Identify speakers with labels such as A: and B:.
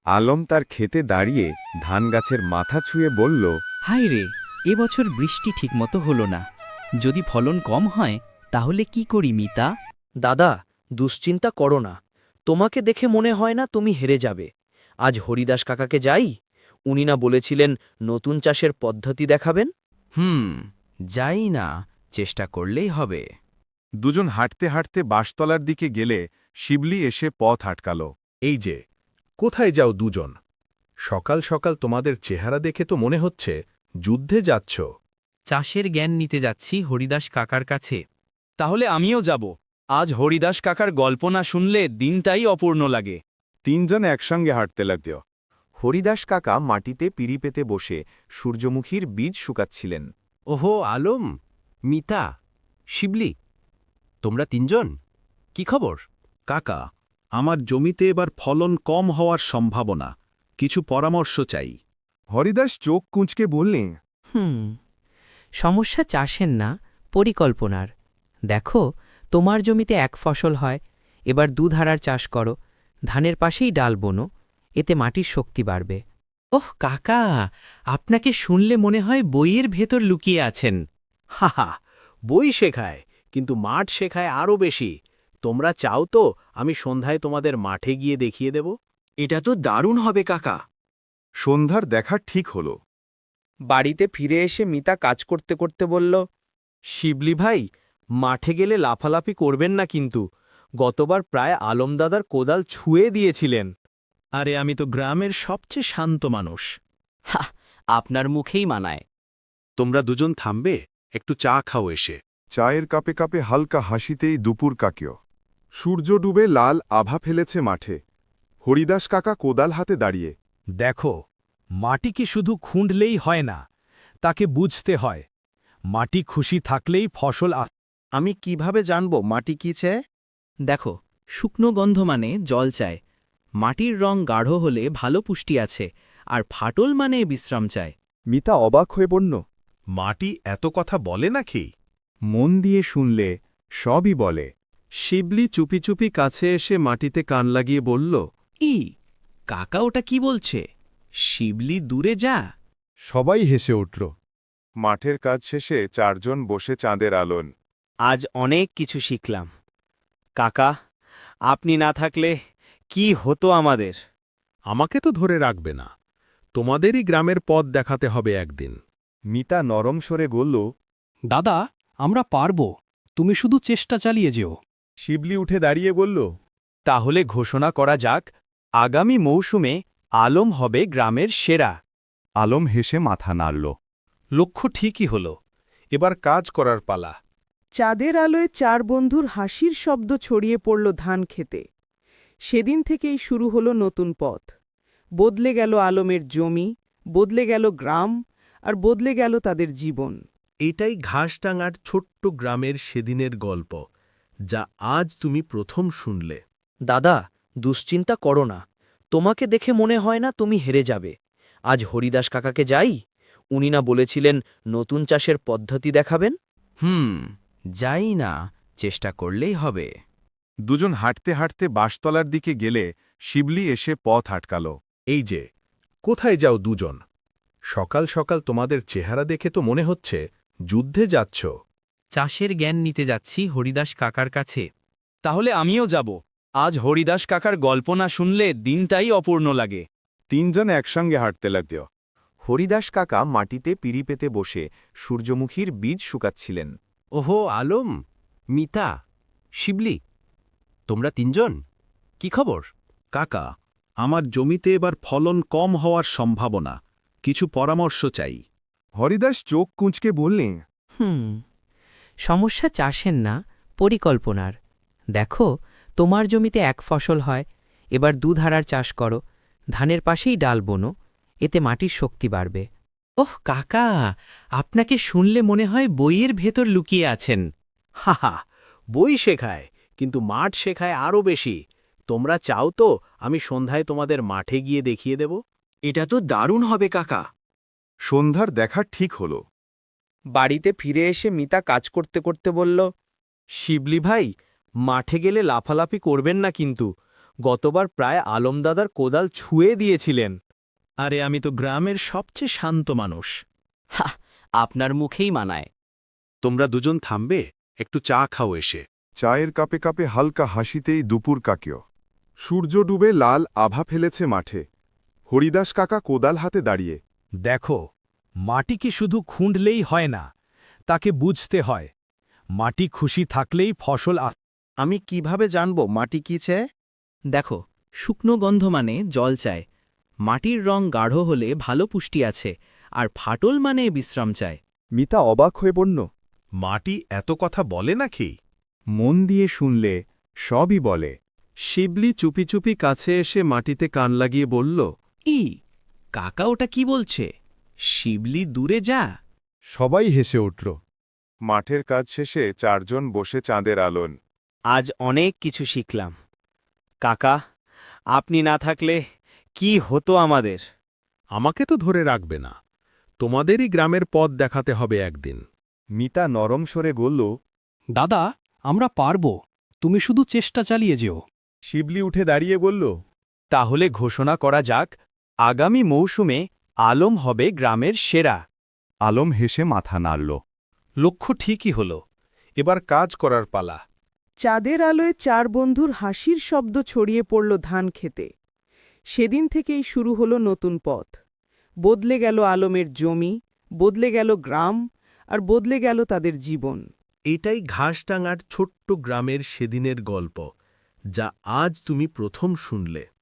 A: আলম তার ক্ষেতে দাঁড়িয়ে ধান গাছের মাথা ছুঁয়ে বলল,
B: হায় রে, এবছর বৃষ্টি ঠিকমতো হলো না। যদি ফলন কম হয় তাহলে কি করি মিতা?
C: দাদা, দুশ্চিন্তা করো না। তোমাকে দেখে মনে হয় না তুমি হেরে যাবে। আজ হরিদাস কাকাকে যাই, উনি না বলেছিলেন নতুন চাষের পদ্ধতি দেখাবেন।
B: যাই না, চেষ্টা করলেই হবে।
A: দুজন হাঁটতে হাঁটতে বাঁশতলার দিকে গেলে শিবলি এসে পথ আটকাল।
D: এই যে, কোথায় যাও দুজন? সকাল সকাল তোমাদের চেহারা দেখে তো মনে হচ্ছে যুদ্ধে যাচ্ছ।
B: চাষের জ্ঞান নিতে যাচ্ছি হরিদাস কাকার কাছে।
E: তাহলে আমিও যাব। আজ হরিদাস কাকার গল্প না শুনলে দিনটাই অপূর্ণ লাগে।
A: তিনজন একসঙ্গে হাঁটতে লাগল। হরিদাস কাকা মাটিতে পিঁড়ি পেতে বসে সূর্যমুখীর বীজ শুকাচ্ছিলেন।
F: ওহো আলম, মিতা, শিবলি, তোমরা তিনজন কি খবর?
D: কাকা, আমার জমিতে এবার ফলন কম হওয়ার সম্ভাবনা, কিছু পরামর্শ চাই।
A: হরিদাস চোখ কুঁচকে বললেন,
G: সমস্যা চাষের না, পরিকল্পনার। দেখো, তোমার জমিতে এক ফসল হয়, এবার দুধারার চাষ করো, ধানের পাশেই ডাল বোনো, এতে মাটির শক্তি বাড়বে।
B: ওহ কাকা, আপনাকে শুনলে মনে হয় বইয়ের ভেতর লুকিয়ে আছেন।
F: হাহা, বই শেখায়, কিন্তু মাঠ শেখায় আরও বেশি। তোমরা চাও তো আমি সন্ধ্যায় তোমাদের মাঠে গিয়ে দেখিয়ে দেব?
C: এটা তো দারুণ হবে কাকা।
A: সন্ধ্যার দেখা ঠিক হল।
C: বাড়িতে ফিরে এসে মিতা কাজ করতে করতে বলল,
E: শিবলি ভাই, মাঠে গেলে লাফালাফি করবেন না কিন্তু। গতবার প্রায় আলমদাদার কোদাল ছুঁয়ে দিয়েছিলেন।
D: আরে আমি তো গ্রামের সবচেয়ে শান্ত মানুষ।
B: আপনার মুখেই মানায়।
D: তোমরা দুজন থামবে, একটু চা খাও এসে।
A: চায়ের কাপে কাপে হালকা হাসিতেই দুপুর কাকিও। সূর্য ডুবে লাল আভা ফেলেছে মাঠে। হরিদাস কাকা কোদাল হাতে দাঁড়িয়ে।
E: দেখো, মাটি কি শুধু খুঁড়লেই হয় না, তাকে বুঝতে হয়। মাটি খুশি থাকলেই ফসল
D: আমি কিভাবে জানব মাটি কি চায়?
B: দেখো, শুকনো গন্ধ মানে জল চায়, মাটির রং গাঢ় হলে ভালো পুষ্টি আছে, আর ফাটল মানে বিশ্রাম চায়।
A: মিতা অবাক হয়ে পড়ল।
D: মাটি এত কথা বলে নাকি?
A: মন দিয়ে শুনলে সবই বলে। শিবলি চুপি চুপি কাছে এসে মাটিতে কান লাগিয়ে বলল,
B: কাকা ওটা কি বলছে? শিবলি দূরে যা।
A: সবাই হেসে উঠল। মাঠের কাজ শেষে চারজন বসে চাঁদের আলোন।
C: আজ অনেক কিছু শিখলাম। কাকা, আপনি না থাকলে কি হতো আমাদের?
D: আমাকে তো ধরে রাখবে না, তোমাদেরই গ্রামের পথ দেখাতে হবে একদিন।
A: মিতা নরম স্বরে বলল,
E: দাদা, আমরা পারব, তুমি শুধু চেষ্টা চালিয়ে যেও।
A: শিবলি উঠে দাঁড়িয়ে বলল,
E: তাহলে ঘোষণা করা যাক, আগামী মৌসুমে আলম হবে গ্রামের সেরা।
A: আলম হেসে মাথা নাড়ল।
D: লক্ষ্য ঠিকই হল, এবার কাজ করার পালা।
H: চাঁদের আলোয় চার বন্ধুর হাসির শব্দ ছড়িয়ে পড়ল ধান খেতে। সেদিন থেকেই শুরু হলো নতুন পথ। বদলে গেল আলমের জমি, বদলে গেল গ্রাম, আর বদলে গেল তাদের জীবন।
D: এটাই ঘাসডাঙ্গার ছোট্ট গ্রামের সেদিনের গল্প, যা আজ তুমি প্রথম শুনলে।
C: দাদা, দুশ্চিন্তা করো না। তোমাকে দেখে মনে হয় না তুমি হেরে যাবে। আজ হরিদাস কাকাকে যাই, উনি না বলেছিলেন নতুন চাষের পদ্ধতি দেখাবেন।
B: যাই না, চেষ্টা করলেই হবে।
A: দুজন হাঁটতে হাঁটতে বাঁশতলার দিকে গেলে শিবলি এসে পথ আটকাল।
D: এই যে, কোথায় যাও দুজন? সকাল সকাল তোমাদের চেহারা দেখে তো মনে হচ্ছে যুদ্ধে যাচ্ছ।
B: চাষের জ্ঞান নিতে যাচ্ছি হরিদাস কাকার কাছে।
E: তাহলে আমিও যাব। আজ হরিদাস কাকার গল্প না শুনলে দিনটাই অপূর্ণ লাগে।
A: তিনজন একসঙ্গে হাঁটতে লাগল। হরিদাস কাকা মাটিতে পিঁড়ি পেতে বসে সূর্যমুখীর বীজ শুকাচ্ছিলেন।
F: ওহো আলম, মিতা, শিবলি, তোমরা তিনজন কি খবর?
D: কাকা, আমার জমিতে এবার ফলন কম হওয়ার সম্ভাবনা, কিছু পরামর্শ চাই।
A: হরিদাস চোখ কুঁচকে বললেন,
G: সমস্যা চাষের না, পরিকল্পনার। দেখো, তোমার জমিতে এক ফসল হয়, এবার দুধারার চাষ করো, ধানের পাশেই ডাল বোনো, এতে মাটির শক্তি বাড়বে।
B: ওহ কাকা, আপনাকে শুনলে মনে হয় বইয়ের ভেতর লুকিয়ে আছেন।
F: হাহা, বই শেখায়, কিন্তু মাঠ শেখায় আরও বেশি। তোমরা চাও তো আমি সন্ধ্যায় তোমাদের মাঠে গিয়ে দেখিয়ে দেব?
C: এটা তো দারুণ হবে কাকা।
A: সন্ধ্যার দেখা ঠিক হল।
C: বাড়িতে ফিরে এসে মিতা কাজ করতে করতে বলল,
E: শিবলি ভাই, মাঠে গেলে লাফালাফি করবেন না কিন্তু। গতবার প্রায় আলমদাদার কোদাল ছুঁয়ে দিয়েছিলেন।
F: আরে আমি তো গ্রামের সবচেয়ে শান্ত মানুষ।
C: আপনার মুখেই মানায়।
D: তোমরা দুজন থামবে, একটু চা খাও এসে।
A: চায়ের কাপে কাপে হালকা হাসিতেই দুপুর কাকিও। সূর্য ডুবে লাল আভা ফেলেছে মাঠে। হরিদাস কাকা কোদাল হাতে দাঁড়িয়ে।
I: দেখো, মাটি কি শুধু খুঁড়লেই হয় না, তাকে বুঝতে হয়। মাটি খুশি থাকলেই ফসল
F: আমি কিভাবে জানব মাটি কি চায়?
B: দেখো, শুকনো গন্ধ মানে জল চায়, মাটির রং গাঢ় হলে ভালো পুষ্টি আছে, আর ফাটল মানে বিশ্রাম চায়।
A: মিতা অবাক হয়ে বলল,
D: মাটি এত কথা বলে নাকি?
A: মন দিয়ে শুনলে সবই বলে। শিবলি চুপি চুপি কাছে এসে মাটিতে কান লাগিয়ে বলল,
B: কাকা ওটা কি বলছে? শিবলি দূরে যা।
A: সবাই হেসে উঠল। মাঠের কাজ শেষে চারজন বসে চাঁদের আলোন।
E: আজ অনেক কিছু শিখলাম। কাকা, আপনি না থাকলে কি হতো আমাদের?
D: আমাকে তো ধরে রাখবে না, তোমাদেরই গ্রামের পথ দেখাতে হবে একদিন।
A: মিতা নরম স্বরে বলল,
I: দাদা, আমরা পারব, তুমি শুধু চেষ্টা চালিয়ে যেও।
A: শিবলি উঠে দাঁড়িয়ে বলল,
E: তাহলে ঘোষণা করা যাক, আগামী মৌসুমে আলম হবে গ্রামের সেরা।
A: আলম হেসে মাথা নাড়ল।
D: লক্ষ্য ঠিকই হল, এবার কাজ করার পালা।
H: চাঁদের আলোয় চার বন্ধুর হাসির শব্দ ছড়িয়ে পড়ল ধান খেতে। সেদিন থেকেই শুরু হলো নতুন পথ। বদলে গেল আলমের জমি, বদলে গেল গ্রাম, আর বদলে গেল তাদের জীবন।
F: এটাই ঘাসডাঙ্গার ছোট্ট গ্রামের সেদিনের গল্প, যা আজ তুমি প্রথম শুনলে।